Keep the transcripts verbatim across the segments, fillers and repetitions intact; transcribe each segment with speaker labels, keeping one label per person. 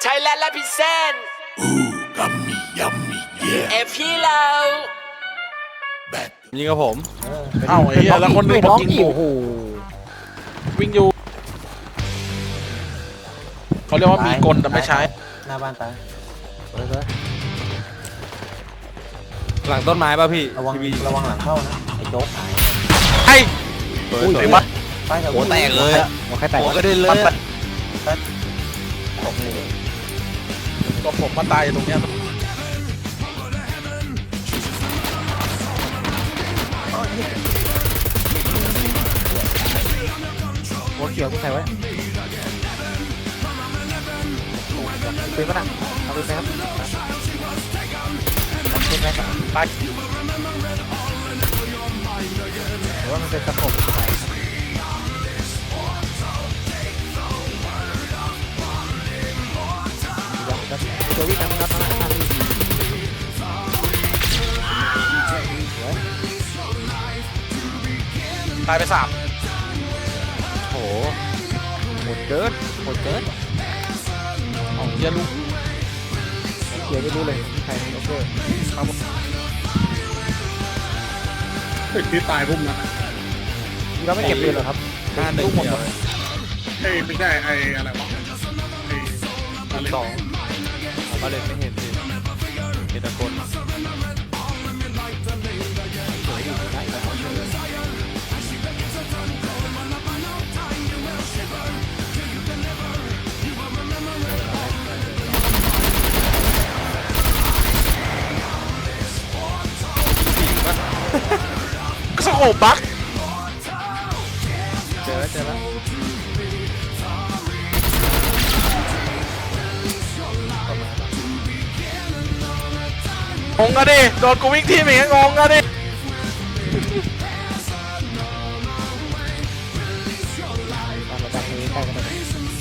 Speaker 1: Thailand represent
Speaker 2: Ooh, yummy, yummy, yeah.
Speaker 1: เอพี่เรา
Speaker 2: Back.
Speaker 3: ยิงกับผม
Speaker 4: เอ้าไอ้เหี้ยแล้วคนหนึ่งบอกยิงอยู่
Speaker 3: โอ้โห
Speaker 4: วิ่งอยู่เขาเรียกว่ามีกลแต่ไม่ใช้
Speaker 5: หน้าบ้านตายเฮ้ย
Speaker 3: หลังต้นไม้ป่ะพี่
Speaker 5: ระวัง
Speaker 3: พี่
Speaker 5: ระวังหลังเข้านะไอ้โจ๊กหาย
Speaker 4: ไอ้
Speaker 3: เปิด
Speaker 4: อุ้ย
Speaker 3: เปิ
Speaker 4: ไอ้
Speaker 3: ด
Speaker 4: บ้า
Speaker 5: ป้ายแถว
Speaker 3: หัวแตกเลยอะ
Speaker 5: หัวใครแตก
Speaker 3: หัวกระเด็นเลยอะ
Speaker 5: ตกเลย
Speaker 4: ตัวผมมาตายอยู่ตรงเนี้ย
Speaker 5: หัวเขียวที่ใครไว้ปืนปะน่ะเอาปืนไปครับเอาปืนไปครับ
Speaker 4: ตาย
Speaker 5: หรือว่ามันเป็นตะขบไปตัววิ่งนะครับนะ
Speaker 4: ตายไปสาม
Speaker 5: โอ้โหหมดเกินหมดเกิน
Speaker 4: เอาเหี้ยลูก
Speaker 5: เขียวไม่รู้เลยใครโอเค
Speaker 4: ครับ
Speaker 6: เฮ้ยที่ตายพุ่มนะ
Speaker 5: เราไม่เก็บปืนหรอครับ
Speaker 3: หน้าหนึ่งเดียวเลย
Speaker 6: เอ้ยไม่ใช่ไอ้อะไรวะไอ้อะไร
Speaker 3: สองผมมาเลยไม่เห็นสิเห็นแตะคน
Speaker 4: ก็สโคปบัก
Speaker 5: เจอแล้วเจอแล้ว
Speaker 4: งงกันดิโดนกูวิ่งทีมอย่างเงี้ยงงกันดิ
Speaker 5: ตามมาจากนี้ใกล้กันเลย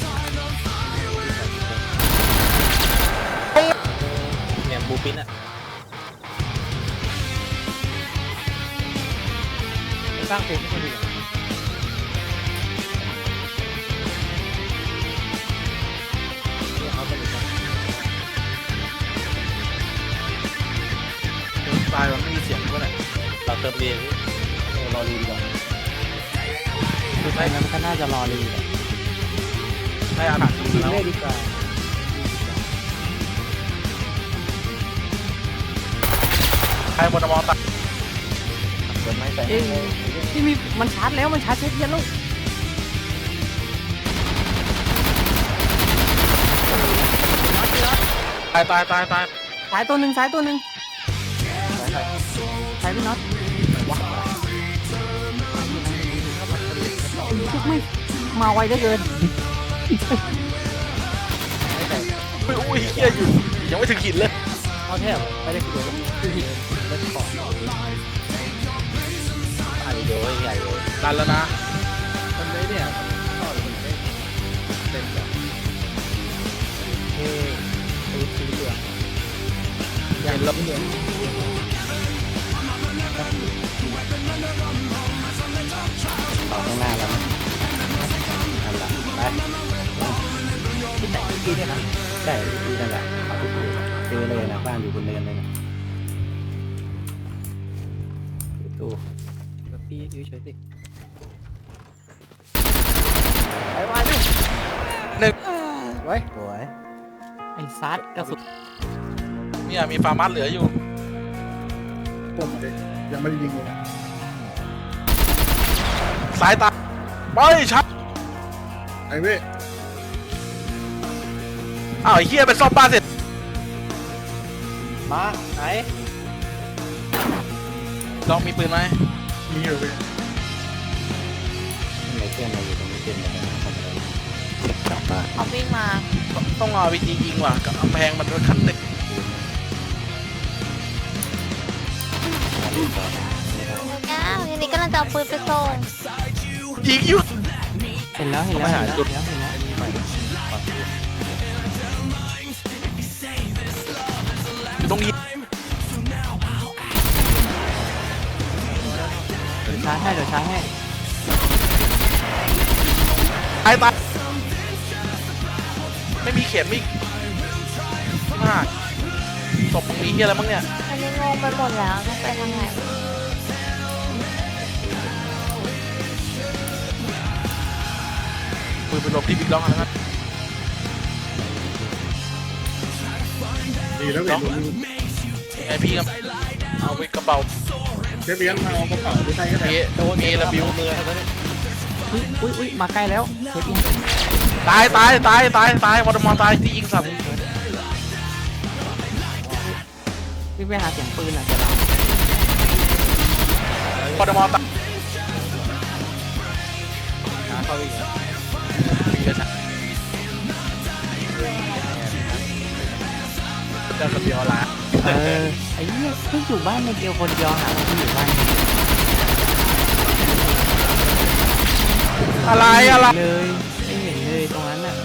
Speaker 5: เนี่ยบูปินอะสร้างเพลงไม่ค่อยดีเขาเป็น
Speaker 4: ตายมันไม่มีเสียงเท่าไหร่
Speaker 5: เราเติมเรียนรอรีดีกว่าคือไม่งั้นก็น่าจะรอรีแหละ
Speaker 4: ได้อาหารกินแล้ว
Speaker 5: เล่ดีกว่า
Speaker 4: ใครบนมอตาย
Speaker 5: เปิดไม้ใส่
Speaker 7: เอ้ยที่มีมันชาร์จแล้วมันชาร์จเช็คเย็นลูก
Speaker 4: ตายตายตายตาย
Speaker 7: สายตัวหนึ่งสายตัวหนึ่งสายพี่น็อตไม่มาไวได้เกิน
Speaker 4: อุ้ยอุ้ยเฮียอยู่ยังไม่ถึงหินเลย
Speaker 5: เอาแทบไม่ได้คุยกับคือหินเล่นของอันนี้เดี๋ยวใหญ่เลย
Speaker 4: ดันแล้วนะ
Speaker 5: มันไม่เนี่ยชอบมันไม่เต็มแบบเฮ้ยไอ้สีเหลืองอย่างลบเหลืองต่อข้างหน้าแล้วนะนั่นแหละไปที่ไหนที่เนี่ยนะใช่ที่นั่นแหละเอาที่ดูเจอเลยนะบ้านอยู่บนเนินเลยนะตู้พี่อยู่เฉยสิไอ้วายดิ
Speaker 4: หนึ่ง
Speaker 5: ไว้สวย
Speaker 7: ไอ้ซัดกระสุน
Speaker 4: เนี่ยมีฟาร์มัสเหลืออยู่
Speaker 6: พุ่มมาดิยังไม่ได้ยิงเลยนะ
Speaker 4: สายตาไปชัด
Speaker 6: ไอ้เว้ย
Speaker 4: อ้าวไอ้เฮียเป็นซ่อมบ้านเสร็จ
Speaker 5: มาไหน
Speaker 4: ลองมีปืนไหม
Speaker 6: มีอยู่เว้ย
Speaker 5: ไหนเพื่อนเราอยู่ตรงนี้เป็นอะไรทำอะไรกลับมา
Speaker 8: เขาวิ่งมา
Speaker 4: ต้องเอาวิธียิงว่ะกับกำแพงมันเป็นขั้นเด็ก
Speaker 8: อ้าวอันนี้กำลังจะเอาปืนไปส่ง
Speaker 4: ยิงอยู่
Speaker 7: เห็นแล้วเห็นแล้วเห็นแล้วเห็นแล้วเห็นแล้ว
Speaker 4: อยู่ตรงนี้
Speaker 7: เดี๋ยวชาร์จให้เดี๋ยวชาร์จให้
Speaker 4: ตายตายไม่มีเขียนไม่มากศพมีเฮียอะไรบ้างเนี่ย
Speaker 8: อันนี้งงไปหมดแล้วต้องไปทางไหน
Speaker 4: ปืนไปหลบที่บิ๊กล็อกแล้วกัน
Speaker 6: ดีแล้วเว้ย
Speaker 4: ไอพี่ครับเอาไปกระเป๋า
Speaker 6: เชฟเบียนมาเอากระเป๋าไปใส่ก็ได้
Speaker 4: มีมีระบิวมือ
Speaker 7: อุ้ยอุ้ยอุ้ยมาใกล้แล้วเชฟอิน
Speaker 4: ตายตายตายตายตายวอร์ดมอร์ตายที่ยิงสัตว์
Speaker 7: วิ่งไปหาเสียงปืนอ่ะเดี๋ยวเรา
Speaker 4: วอร์ดมอร์ตาย
Speaker 3: หาเข้าอีกแล้ว
Speaker 4: มีกระชับเดินคนเดียวละ
Speaker 7: เออไอ้เหี้ยเพิ่งอยู่บ้านในเดียวคนเดียวหาคนที่อยู่บ้าน
Speaker 4: อะไรอะไร
Speaker 7: เลยไม่เห็นเลยตรงนั้นน่ะ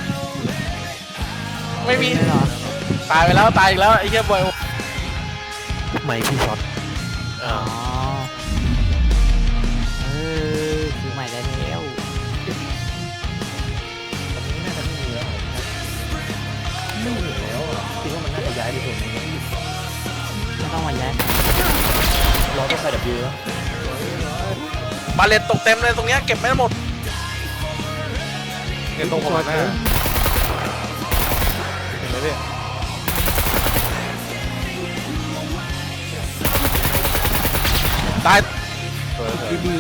Speaker 4: ไม่มี
Speaker 7: เลยเหรอ
Speaker 4: ตายไปแล้วตายอีกแล้วไอ้เหี้ยบอย
Speaker 5: ไม่พี่ช็อต
Speaker 7: อ๋อเออคือใหม่ได้แล้ว
Speaker 5: ไม่เหลือแล้วอ่ะคิดว่ามันน่าจะย้ายไปตรงนี้
Speaker 7: ไม่ต้องมาย้าย
Speaker 5: เราต้องไปดับเบิลแล้ว
Speaker 4: บาเลตตกเต็มเลยตรงเนี้ยเก็บไม่หมด
Speaker 3: เงินตรงผมหน้าเห็นไหมพี่
Speaker 4: ตาย
Speaker 3: สวยสวย
Speaker 7: ดีดี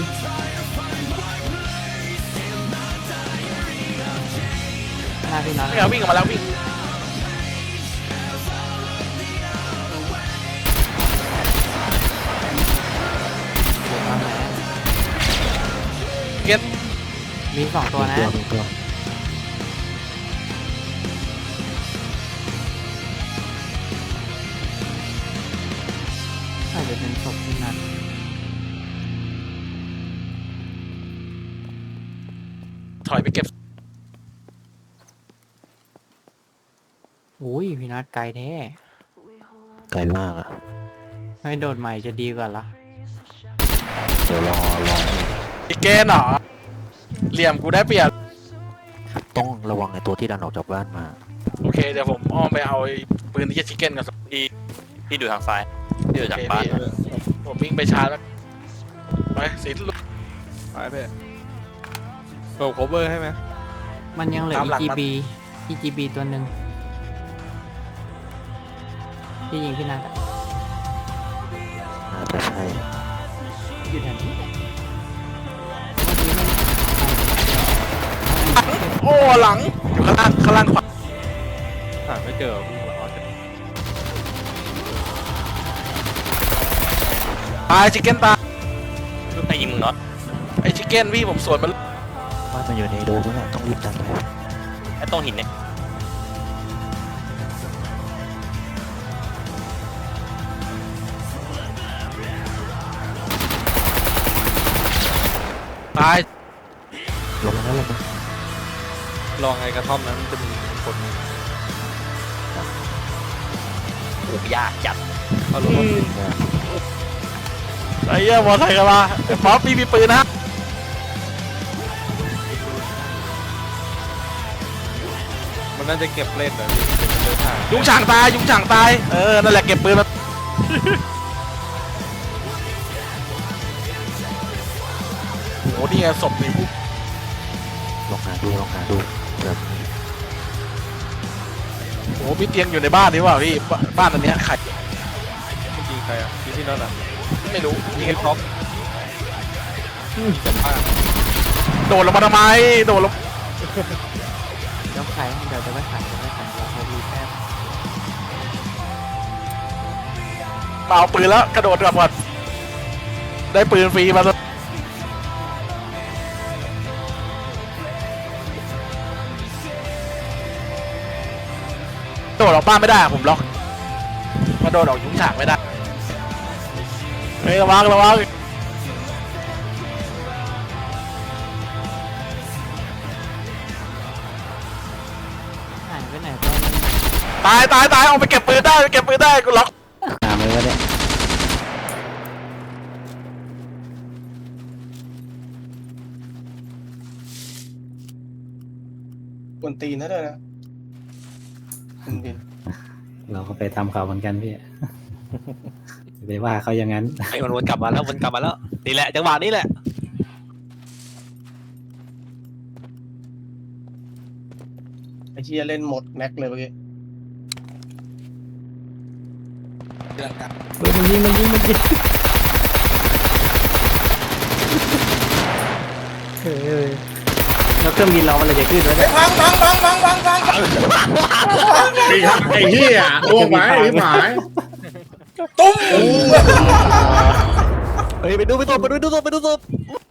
Speaker 7: หน้าพี่น็อต
Speaker 4: ไม่เอาวิ่งออกมาแล้ววิ่ง
Speaker 7: ทำไหน
Speaker 4: เก็ต
Speaker 7: มีสองตัวนะ
Speaker 5: ตัวตัว
Speaker 7: อาจจะเป็นศพที่นัด
Speaker 4: ถอยไปเก็บ
Speaker 7: อุ้ยพี่นัดไกลแท้
Speaker 5: ไกลมากอ่ะ
Speaker 7: ให้โดดใหม่จะดีกว่าละ
Speaker 5: เดี๋ยวรอรอ
Speaker 4: อีกเกนเหรอเหลี่ยมกูได้เปรียบ
Speaker 5: ต้องระวังในตัวที่ดันออกจากบ้านมา
Speaker 4: โอเคเดี๋ยวผมอ้อมไปเอาไอ้ปืนที่จะชิคเก้นกับดี
Speaker 1: พี่ดูทางซ้ายพี่ดูจากบ้าน
Speaker 4: ผมวิ่งไปชาร์จแล้วไปสีลุก
Speaker 3: ไปพี่โอ้โคเวอร์ให้ไหม
Speaker 7: มันยังเหลือ
Speaker 4: ตามหลัง
Speaker 7: อี
Speaker 4: มัน
Speaker 7: จีบี อี จี บี ตัวหนึ่งที่ยิงพี่นัดอะ
Speaker 5: น่าจะใช่
Speaker 7: อยู่แถวนี้
Speaker 4: โอ้หลังอยู่ข้างล่างข้างล่างขวา
Speaker 3: หาไม่เจอพี่อ๋อเจอ
Speaker 4: ตายชิคเก้นตาย
Speaker 1: ลูกใครยิงมึงน็อต
Speaker 4: ไอ้ชิคเก้นพี่ผมสวนมัน
Speaker 5: บ้านมันอยู่ในโดมแล้วต้องรีบดันไป
Speaker 1: ไอ้ตรงหินเนี่ย
Speaker 4: ตาย
Speaker 5: ลงมาแล้วลงมา
Speaker 3: ลองไอ้กระท่อมนั้นจะมีคนหนึ่ง
Speaker 1: โอ้ยากจัด
Speaker 3: เขาลงมา
Speaker 4: ไอ้เหี้ยมอไซค์กันมาไอ้ป๊อปพี่มีปืนนะ
Speaker 3: มันน่าจะเก็บเล่นแบบนี้เดินทาง
Speaker 4: ยุงฉางตายยุงฉางตายเออนั่นแหละเก็บปืนมาโอ้นี่ไงศพนี่
Speaker 5: ลองหาดูลองหาดูแบบ
Speaker 4: โอ้มีเตียงอยู่ในบ้านนี่ว่าพี่บ้านบ้านอันเนี้ยไข่
Speaker 3: เมื่อกี้ใครอ่ะพี่พี่น็อตอ่ะ
Speaker 4: ไม่รู้
Speaker 3: ยิ
Speaker 4: ยิ
Speaker 3: ง
Speaker 4: ง
Speaker 3: ไอ้ท็อปจะพลาด
Speaker 4: โดดลงมาทำไมโดดลง
Speaker 7: เดี๋ยวขายเดี๋ยวจะไม่ขายจะไม่ขายเราใช้รีแป๊บ
Speaker 4: มาเอาปืนแล้วกระโดดกลับก่อนได้ปืนฟรีมาแล้วโดดออกบ้านไม่ได้ผมล็อกมาโดดออกยุ้งฉางไม่ได้เฮ้ยระวังระวัง
Speaker 7: หายไปไหนก็ไม่รู้
Speaker 4: ตายตายตายเอาไปเก็บปืนได้ไปเก็บปืนได้กูล็อก
Speaker 5: หาไหมวะเนี่ย
Speaker 6: กวนตีนนะด้วยนะคุณบิน
Speaker 5: เราก็ไปทำเขาเหมือนกันพี่ ไปว่าเขาอย่างนั้น
Speaker 3: ไอ้มันวนกลับมาแล้ววนกลับมาแล้วนี่แหละจังหวะนี้แหละ
Speaker 6: ไอ้เชี่ยเล่นหมดแม็กเลยเมื่อกี้
Speaker 5: เฮ้ยมันยิงมันยิงมันยิงเฮ้ยแล้วเครื่องบินเรามันเลยจะขึ้นแล้วเนี่ย
Speaker 6: พังพังพังพังพังพังไอ้ไอ้เหี้ยล่วงไปไอ้หมายตุ้ม
Speaker 3: เฮ้ยไปดูไปดูไปดูไปดูไปดู